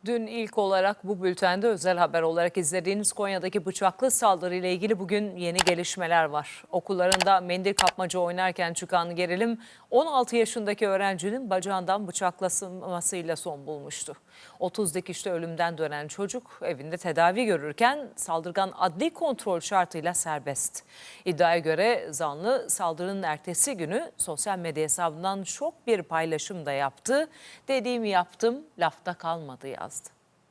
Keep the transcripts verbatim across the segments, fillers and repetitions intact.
Dün ilk olarak bu bültende özel haber olarak izlediğiniz Konya'daki bıçaklı saldırıyla ilgili bugün yeni gelişmeler var. Okullarında mendil kapmaca oynarken çıkan gerilim on altı yaşındaki öğrencinin bacağından bıçaklanmasıyla son bulmuştu. otuz dikişli ölümden dönen çocuk evinde tedavi görürken saldırgan adli kontrol şartıyla serbest. İddiaya göre zanlı saldırının ertesi günü sosyal medya hesabından şok bir paylaşım da yaptı. Dediğimi yaptım, lafta kalmadı yazdı.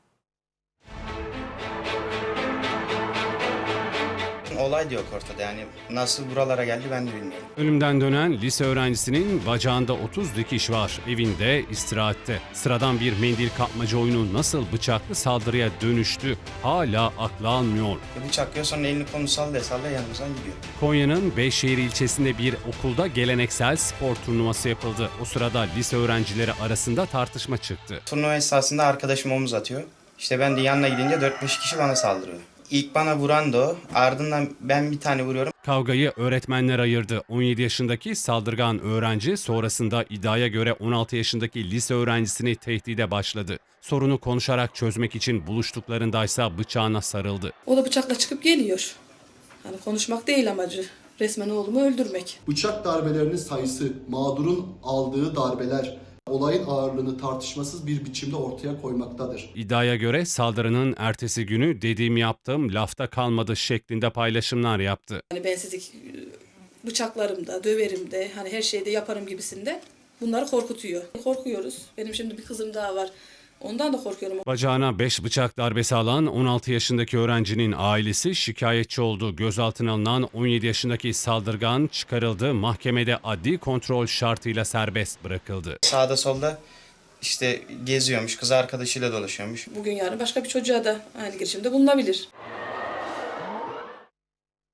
Olay da yok ortada, yani nasıl buralara geldi ben de bilmiyorum. Ölümden dönen lise öğrencisinin bacağında otuz dikiş var. Evinde, istirahatte. Sıradan bir mendil kapmaca oyunu nasıl bıçaklı saldırıya dönüştü hala aklı almıyor. Bıçak yiyor, sonra elini kolunu sallaya sallaya yanımızdan gidiyor. Konya'nın Beyşehir ilçesinde bir okulda geleneksel spor turnuvası yapıldı. O sırada lise öğrencileri arasında tartışma çıktı. Turnuva esnasında arkadaşım omuz atıyor. İşte ben de yanına gidince dört beş kişi bana saldırıyor. İlk bana vuran da o, ardından ben bir tane vuruyorum. Kavgayı öğretmenler ayırdı. on yedi yaşındaki saldırgan öğrenci sonrasında iddiaya göre on altı yaşındaki lise öğrencisini tehdide başladı. Sorunu konuşarak çözmek için buluştuklarındaysa bıçağına sarıldı. O da bıçakla çıkıp geliyor. Hani konuşmak değil amacı. Resmen oğlumu öldürmek. Bıçak darbelerinin sayısı, mağdurun aldığı darbeler, olayın ağırlığını tartışmasız bir biçimde ortaya koymaktadır. İddiaya göre saldırının ertesi günü dediğimi yaptım, lafta kalmadı şeklinde paylaşımlar yaptı. Hani ben sizi bıçaklarımda, döverimde, hani her şeyde yaparım gibisinde bunları korkutuyor. Korkuyoruz. Benim şimdi bir kızım daha var. Ondan da korkuyorum. Bacağına beş bıçak darbesi alan on altı yaşındaki öğrencinin ailesi şikayetçi oldu. Gözaltına alınan on yedi yaşındaki saldırgan çıkarıldı. Mahkemede adli kontrol şartıyla serbest bırakıldı. Sağda solda işte geziyormuş, kız arkadaşıyla dolaşıyormuş. Bugün yarın başka bir çocuğa da aynı girişimde bulunabilir.